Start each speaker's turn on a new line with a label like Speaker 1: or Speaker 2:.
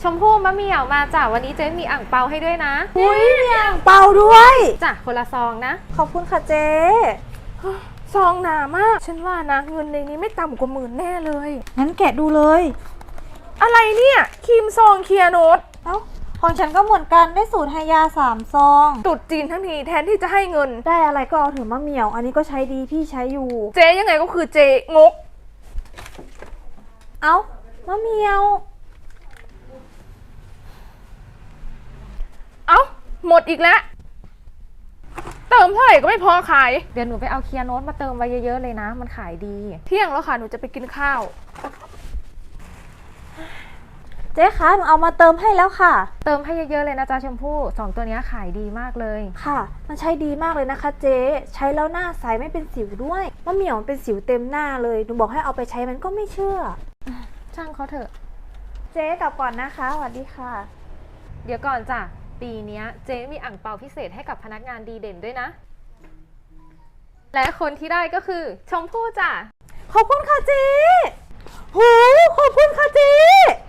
Speaker 1: ชมพู่มะเหมี่ยวมาจ้ะวันนี้เจ๊มีอ่างเปาให้ด้วยนะ
Speaker 2: อุ้ยมีอ่างเปาด้วย
Speaker 1: จ้ะคนละซองนะ
Speaker 2: ขอบคุณค่ะเจ๊
Speaker 3: ซองหนามากฉันว่านะเงินในนี้ไม่ต่ำกว่า10,000แน่เลย
Speaker 2: งั้นแกะดูเลย
Speaker 3: อะไรเนี่ยครีมซองเคลียร์โนต
Speaker 2: เอ้าของฉันก็เหมือนกันได้สูตรไฮยา3 ซอง
Speaker 3: ตรุดจีนทั้งทีแทนที่จะให้เงิน
Speaker 2: ได้อะไรก็เอาเถอะมะเหมี่ยว อันนี้ก็ใช้ดีพี่ใช้อยู่
Speaker 3: เจ๊ยังไงก็คือเจ๊งก
Speaker 2: เอ้ามะเหมี่ยว
Speaker 3: เอ้าหมดอีกแล้วเติมเท่าไหร่ก็ไม่พอขาย
Speaker 1: เดี๋ยวหนูไปเอาเคลียร์โน้ตมาเติมไว้เยอะๆเลยนะ มันขายดี
Speaker 3: เที่ยงแล้วค่ะหนูจะไปกินข้าว
Speaker 2: เจ๊คะหนูเอามาเติมให้แล้วค่ะ
Speaker 1: เติมให้เยอะๆเลยนะจ๊ะชมพู่2ตัวนี้ขายดีมากเลย
Speaker 2: ค่ะ มันใช้ดีมากเลยนะคะเจ๊ใช้แล้วหน้าใสไม่เป็นสิวด้วยมะเหมี่ยวมันเป็นสิวเต็มหน้าเลยหนูบอกให้เอาไปใช้มันก็ไม่เชื่อ
Speaker 1: ช่างเขาเถอะ
Speaker 2: เจ๊กลับก่อนนะคะสวัสดีค่ะ
Speaker 1: เดี๋ยวก่อนจ้ะปีนี้เจ๊มีอ่างเปาพิเศษให้กับพนักงานดีเด่นด้วยนะ และคนที่ได้ก็คือชมพู่จ้ะ
Speaker 2: ขอบคุณค่ะเจ๊หูขอบคุณค่ะเจ๊